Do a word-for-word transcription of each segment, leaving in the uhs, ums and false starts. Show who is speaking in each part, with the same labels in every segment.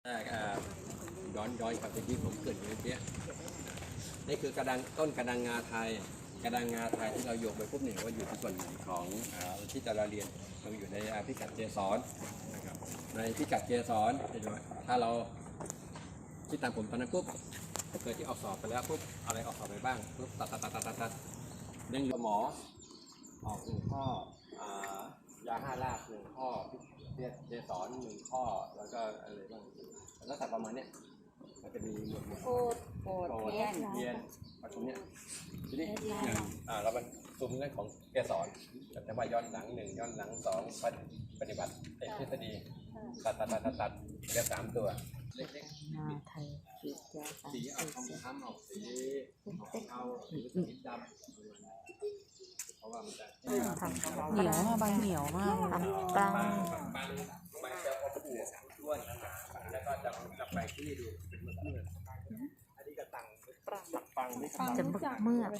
Speaker 1: ย้อนย้อนกลับไปที่ผมเกิดเมื่อกี้นี่คือกระดังต้นกระดังงาไทยกระดังงาไทยที่เราโยกไปปุ๊บเนี่ยว่าอยู่ที่ส่วนของที่เราเรียนเราอยู่ในพิกัดเจสอนนะครับในพิกัดเจสอนถ้าเราคิดตามผมตอนนั้นปุ๊บเกิดที่ออกสอบไปแล้วปุ๊บอะไรออกสอบไปบ้างปุ๊บตัดตัดตัดตัดตัดยังเหลือหมอออกหนึ่งข้อยาห้าลากหนึ่งข้อเจสอนหนึ่งข้อแล้วก็อะไรบ้างแล้วแต่ประมาณเนี้ยมันจะมีหมวดหมู่โคดโคดเทียนเทียนประชุมเนี้ยทีนี้อ่าเรามันซูมเรื่องของเกสรแต่ว่าย้อนหลังหนึ่งย้อนหลังสองปฏิบัติเอกทฤษฎีตัดตัดตัดตัดเรียกสามตัวเล็กๆมาไทยสีเอาทองคำออกสีเอาสีดำเพราะว่ามันจะเหนียวมากใบเหนียวมากบางบางบางจะอมปูด้วนแล้วก็จะจะไปที่ดูเป็นเมือกเมือกอันนี้ก็ตังปังไม่ปังจะเมือกเมือก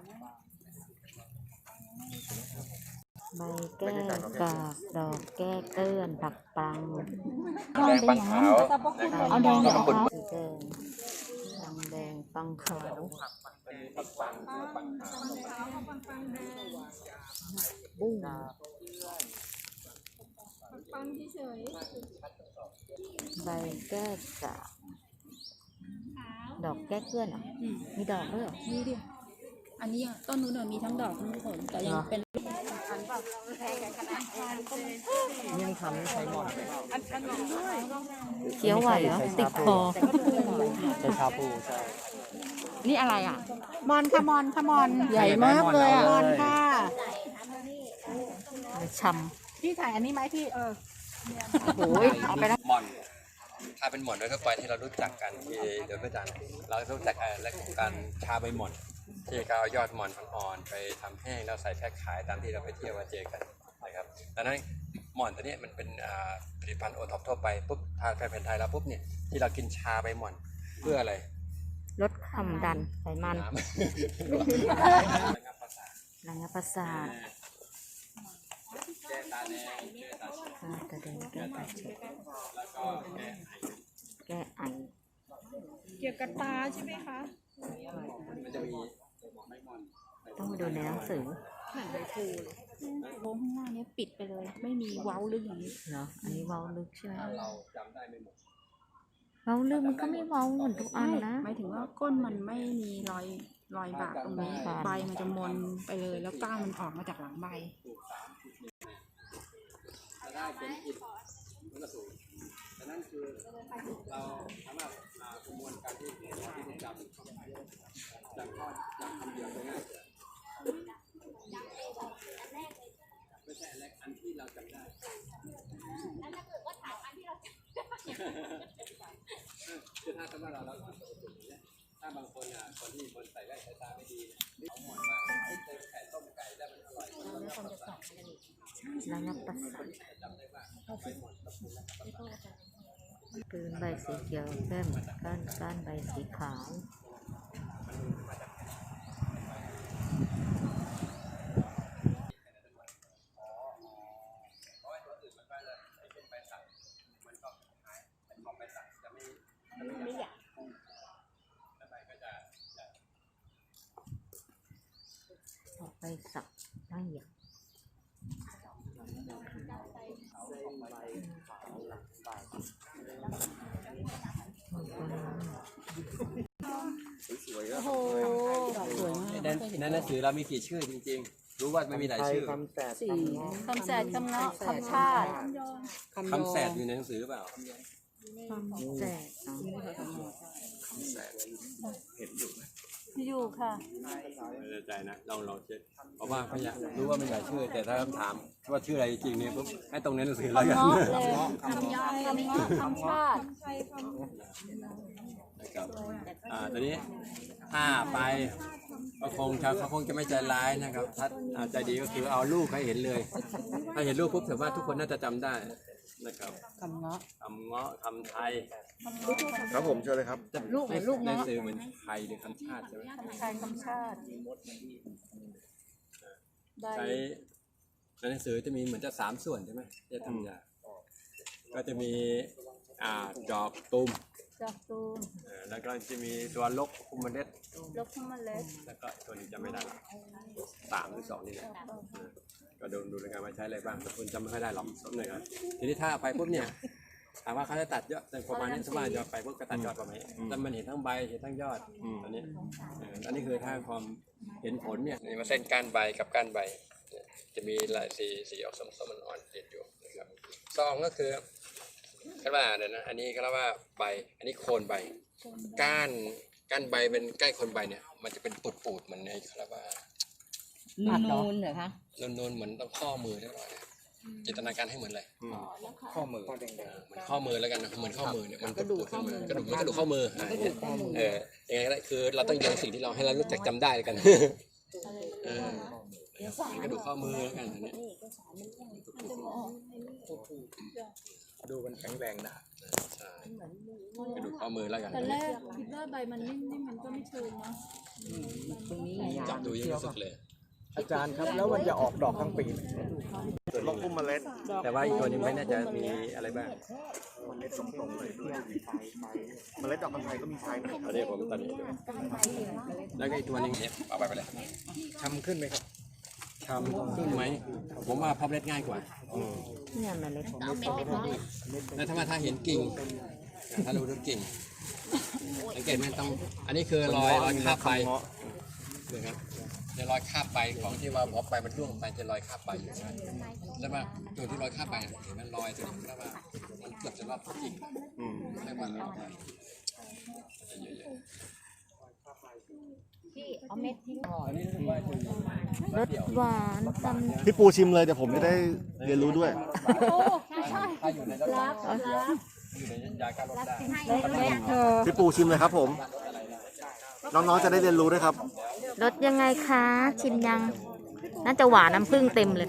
Speaker 2: ใบแก้กากดอกแก้เกื้อนผักปัง
Speaker 1: แดงปังขาว
Speaker 2: เอาแดงเหรอคะแดงปังแดงปังขาว
Speaker 1: ปังปังปังขาว
Speaker 2: บุ้ง
Speaker 3: ปังเฉย
Speaker 2: ใบแก้กากดอกแก้เกื้อนเหรอมีดอกด้วยเหรอ
Speaker 3: มีดิอันนี้ต้นนู้นมีทั้งดอกทั้งผลแต่ยังเป็น
Speaker 4: ยังทำไม่ใช้หมอน
Speaker 2: เคี้ยวไหวเหรอติดคอ
Speaker 4: ใช้ชาปูใช่
Speaker 2: นี่อะไรอ่ะ
Speaker 3: มอนค่ะมอนค่ะมอน
Speaker 2: ใหญ่มากเลยอ่ะ
Speaker 3: มอนค่ะ
Speaker 2: ช่
Speaker 3: ำพี่ถ่ายอันนี้ไหมพี่เออ
Speaker 2: โอ้ยเอาไปแล้ว
Speaker 1: หมอนถ้าเป็นหมอนด้วยก็ไปที่เรารู้จักกันที่เดี๋ยวพระอาจารย์เรารู้จักและการชาใบหมอนที่เขาเอายอดหมอนอ่อนๆไปทำแห้งแล้วใส่แพ็คขายตามที่เราไปเที่ยวมาเจอกันนะครับดังนั้นหมอนตัวนี้มันเป็นผลิตภัณฑ์โอท็อปทั่วไปปุ๊บทางแพทย์ไทยแล้วปุ๊บเนี่ยที่เรากินชาใบหมอนเพื่ออะไร
Speaker 2: ลดความดันไขมันระงับประสาท
Speaker 1: แก้ตาแดงแก้ตา
Speaker 2: ตาแดงแก้ตาเฉด
Speaker 1: แล้วก็
Speaker 2: แก้ไอ
Speaker 3: เกี่ยวกับตาใช่ไหมคะ
Speaker 1: มันจะมี
Speaker 2: ต้องมาดูในหนังสือ
Speaker 3: เหมือนใบพลูเลยวงข้างหน้านี้ปิดไปเลยไม่มีเว้าลึกอย่างนี้
Speaker 2: เหรออันนี้เว้าลึกใช่ไหม
Speaker 1: เราจำได้ไม่หมด
Speaker 2: เว้าลึกมันก็ไม่เว้าเหมือนทุกอันนะ
Speaker 3: หมายถึงว่าก้นมันไม่มีรอยรอยบากตรงนี้ใบมันจะมนไปเลยแล้วก้านมันออกมาจากหลังใบ
Speaker 1: ได้เป็นอิฐมันก็สูงดังนั้นคือเราสามารถประมวลการที่ที่จำจำข้อจำคำเดียวได้ง่ายไม่ใช่แรกอันที่เราจำได้แล้วถ้าเกิดว่าถามอันที่เราจำคือถ้าสมมติเราเราสอนตัวสูงเนี่ยถ้าบางคนอ่ะคนที่คนใส่แว่นสายตาไม่ดีเนี่ยเขาหมอนว่าไอ้เจอไก่ต้มไก่ได้มันอร่อยมันก็ประสาท
Speaker 2: ระงับประสาทปืนใบสีเขียวเข้มก้านก้านใบสีขาวออกไปสักได้อย่าง
Speaker 1: สวยๆโอ้โหสวยมากในหนังสือเรามีกี่ชื่อจริงๆรู้ว่าไม่มีหลายชื่อ
Speaker 4: คำแสด
Speaker 3: คำแสดคำเนาะคำชาติ
Speaker 1: คำแสดอยู่ในหนังสือเปล่า
Speaker 2: คำแสด
Speaker 1: คำแสดเห็นอยู่ไหม
Speaker 3: อยู่ค่ะ
Speaker 1: ไม่แน่ใจนะลองลองเช็คเพราะว่าเขาอยากรู้ว่ามันหลายชื่อแต่ถ้าคำถามว่าชื่ออะไรจริงเนี่ยปุ๊บให้ตรงในหนังสือเราอย่างนี้
Speaker 3: คำยอคำเนาะคำชาติ
Speaker 1: นะครับอ่าตอนนี้ถ้าไปก็คงเขาคงจะไม่ใจร้ายนะครับถ้าใจดีก็คือเอาลูกให้เห็นเลยถ้าเห็นลูกปุ๊บถือว่าทุกคนน่าจะจำได้นะครับ
Speaker 2: คำเงาะ
Speaker 1: คำเงาะคำไทย
Speaker 4: ครับผมเชิญเลยครับ
Speaker 2: ลูกลูก
Speaker 1: ในสื่อเหมือนไทยหรือคำชาติใช่ไหม
Speaker 3: คำไทยคำชาติ
Speaker 1: ใช้ในหนังสือจะมีเหมือนจะสามส่วนใช่ไหมจะทำยาก็จะมีอ่าจอบตุ่ม
Speaker 2: ดอกตูม
Speaker 1: เออแล้วก็จะมีตัวลกคุมเมล็ด
Speaker 2: ลบขึ้นมาเล็ก
Speaker 1: แล้วก็ตัวนี้จำไม่ได้ละสามหรือสองนี่แหละเออก็ดูดูในการมาใช้อะไรบ้างแต่คุณจำไม่ค่อยได้หรอกสักหน่อยครับทีนี้ถ้าเอาไปปุ๊บเนี่ยถามว่าเขาจะตัดยอดแต่ประมาณนี้สมมติยอดไปปุ๊บก็ตัดยอดประมาณนี้แต่มันเห็นทั้งใบเห็นทั้งยอดอันนี้เอออันนี้คือถ้าความเห็นผลเนี่ยนี่มาเส้นก้านใบกับก้านใบเนี่ยจะมีลายสีสีออกส้มๆอ่อนๆติดอยู่นะครับซองก็คือก็ว่าเนี่ยนะอันนี้ก็เรียกว่าใบอันนี้โคนใบก้านก้านใบเป็นใกล้โคนใบเนี่ยมันจะเป็นปูดๆเหมือนในเขาเรียกว่า
Speaker 2: นูนๆเหรอคะ
Speaker 1: นูนๆเหมือนต้องข้อมือเรียบร้อยนะจินตนาการให้เหมือนอะไร
Speaker 4: ข้อมือ
Speaker 1: เหมือนข้อมือแล้วกันนะเหมือนข้อมือเนี่ยมันกระดูกข้อมือกระดูกมันกระดูกข้อมืออ่าเนี่ยเออยังไงก็ได้คือเราต้องยังสิ่งที่เราให้เรารู้จักจำได้แล้วกันเออกระดูกข้อมือแล้วกันอันเนี้ย
Speaker 4: ดูมันแข็งแรงนะ
Speaker 1: ใช่กระดูกข้อมือแล้วกัน
Speaker 3: ตอนแรกคิดว่าใบมันนิ่มๆมันก็ไม่เชิงเนาะ
Speaker 1: จับดูยังรู้สึกเลย
Speaker 4: อาจารย์ครับแล้วมันจะออกดอกทั้งปีไหมลองพุ่มเมล็ด
Speaker 1: แต่ว่าอีกตัวนี้ไม่แน่ใจมีอะไรบ้าง
Speaker 4: เมล็ดสองตรงเลยเมล็ดดอกคำไทยก็มีไฟนะ
Speaker 1: อันนี้ผมตอนนี้แล้วก็อีกตัวนึงเนี่ยเอาไปไปเลย
Speaker 4: ช้ำขึ้นไหมครับ
Speaker 1: ทำขึ้นไหมผมว่าพับเล็ดง่ายกว่า
Speaker 2: เนี่ยเมล็ด
Speaker 1: แล้วถ้ามาถ้าเห็นกิ่งถ้ารู้ถึงกิ่งสังเกตไหมต้องอันนี้คือรอยรอยคาบใบนะครับในรอยคาบใบของที่ว่าพอใบมันร่วงไปจะรอยคาบใบอยู่ใช่แล้วว่าตัวที่รอยคาบใบเห็นมันรอยตัวนี้แล้วว่ามันเกือบจะรอบกิ่งเรียกว่ารอบใบ
Speaker 2: พี่เอาเม็ดทิ้ง
Speaker 1: อันนี้รู้สึกว่าจะมี
Speaker 2: รสหวานตำ
Speaker 5: พี่ปูชิมเลยเดี๋ยวผมจะได้เรียนรู้ด้วย
Speaker 1: ถ้าอยู่ในรถอยู่ในยาการลดได้
Speaker 5: พี่ปูชิมเลยครับผม น้องๆจะได้เรียนรู้ด้วยครับ
Speaker 2: รสยังไงคะ ชิมยัง น่าจะหวานน้ำผึ้งเต็มเลย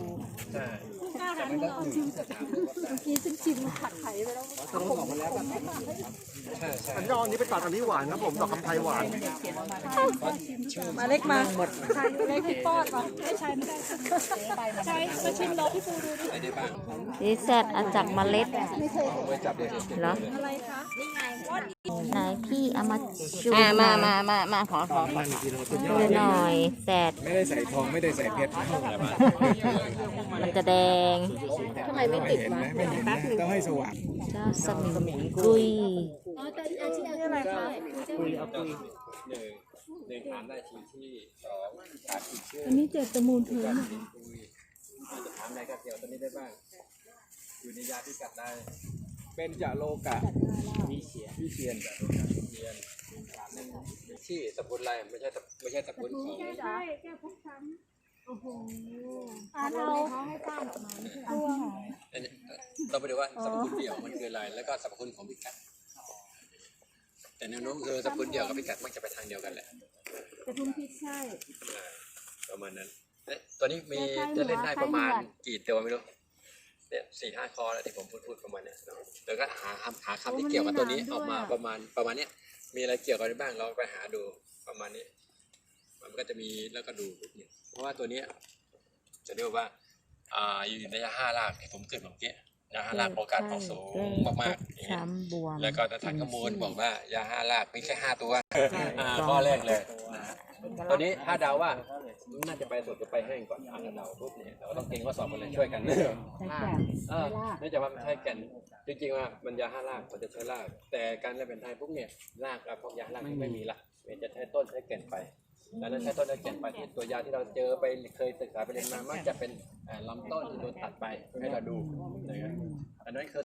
Speaker 5: อันนี้เอาอันนี้ไปตัดอันนี้หวานครับผมดอกคำไทยหวาน
Speaker 3: มาเล็กมาหมดใช่เล็กพี่ป้อนมาไม่ใช่ไม่ได้ใช่มาชิมรอพี่ปูดูดิ
Speaker 1: ไม่ได้บ้าง
Speaker 2: ดีแซดเอาจากเมล็ด
Speaker 1: ไว้จับเด็ก
Speaker 2: เหรอ
Speaker 3: อะไรคะ
Speaker 2: ไหนพี่เอามาชู
Speaker 6: มามามามามาขอขอขอ
Speaker 2: ดูหน่อยแซด
Speaker 4: ไม่ได้ใส่ทองไม่ได้ใส่เพชร
Speaker 2: มันจะแดง
Speaker 6: ทำไมไม่ติดวะ
Speaker 4: ไม่เห็นนะต้องให้สว่าง
Speaker 2: เจ้าสมิงกุย
Speaker 3: นี่อะไรคะ
Speaker 1: คุยเอาคุยหนึ่งหนึ่งถามได้ทีที่สองถามอีกชื่อ
Speaker 3: อันนี้เจ็ดตะมูลเถื่อน
Speaker 1: คุยอาจจะถามอะไรก็เกี่ยวตัวนี้ได้บ้าง อยู่ในยาพิกัดได้
Speaker 4: เป็นจะโลกะวิเชียนวิเชียน
Speaker 1: เรียนถามหนึ่งมีชื่อสกุลอะไรไม่ใช่ไม่ใช่สกุลของ
Speaker 3: ใช่แก้พกช้ำโอ้โหอ่าเราเขาให้ป้าออกมาไม่ใช่ตัว
Speaker 1: อันนี้เราไปดูว่าสรรพคุณเดี่ยวมันคืออะไร แล้วก็สรรพคุณของพิกัด แต่แนวโน้มคือสรรพคุณเดี่ยวกับพิกัดมักจะไปทางเดียวกันแหละ
Speaker 3: กระทุนพิษใช่
Speaker 1: อ่าประมาณนั้นเอ๊ะตัวนี้มีจะเล่นได้ประมาณกี่ตัวไม่รู้เนี่ยสี่ห้าคอแล้วที่ผมพูดพูดประมาณเนี้ยเนาะแล้วก็หาคำหาคำที่เกี่ยวกับตัวนี้ออกมาประมาณประมาณเนี้ยมีอะไรเกี่ยวกันบ้างเราไปหาดูประมาณนี้ มันก็จะมีแล้วก็ดูปุ๊บเนี่ยเพราะว่าตัวเนี้ยจะเรียกว่าอ่าอยู่ในห้ารากที่ผมเกิดเมื่อกี้ยาห้ารากโอกาสออกสูงมากๆอย่างเงี้ย
Speaker 2: ช้ำบวม
Speaker 1: แล้วก็ทางข้อมูลบอกว่ายาห้ารากมีแค่ห้าตัวอ่าข้อแรกเลยนะตอนนี้ถ้าเดาว่าน่าจะไปสดจะไปแห้งก่อนถ้าเดาปุ๊บเนี่ยเราต้องเก่งข้อสอบกันเลยช่วยกันเออเนื่องจากว่ามันใช้แก่นจริงๆว่ามันยาห้ารากมันจะใช้ราก แต่การเล่นเป็นไทยปุ๊บเนี่ยรากพวกยาห้ารากไม่มีละมันจะใช้ต้นใช้แก่นไปดังนั้นใช้ต้นใช้แก่นไปตัวยาที่เราเจอไปเคยศึกษาไปเรียนมามักจะเป็นลำต้นที่โดนตัดไปให้เราดูนะครับอันนั้นคือ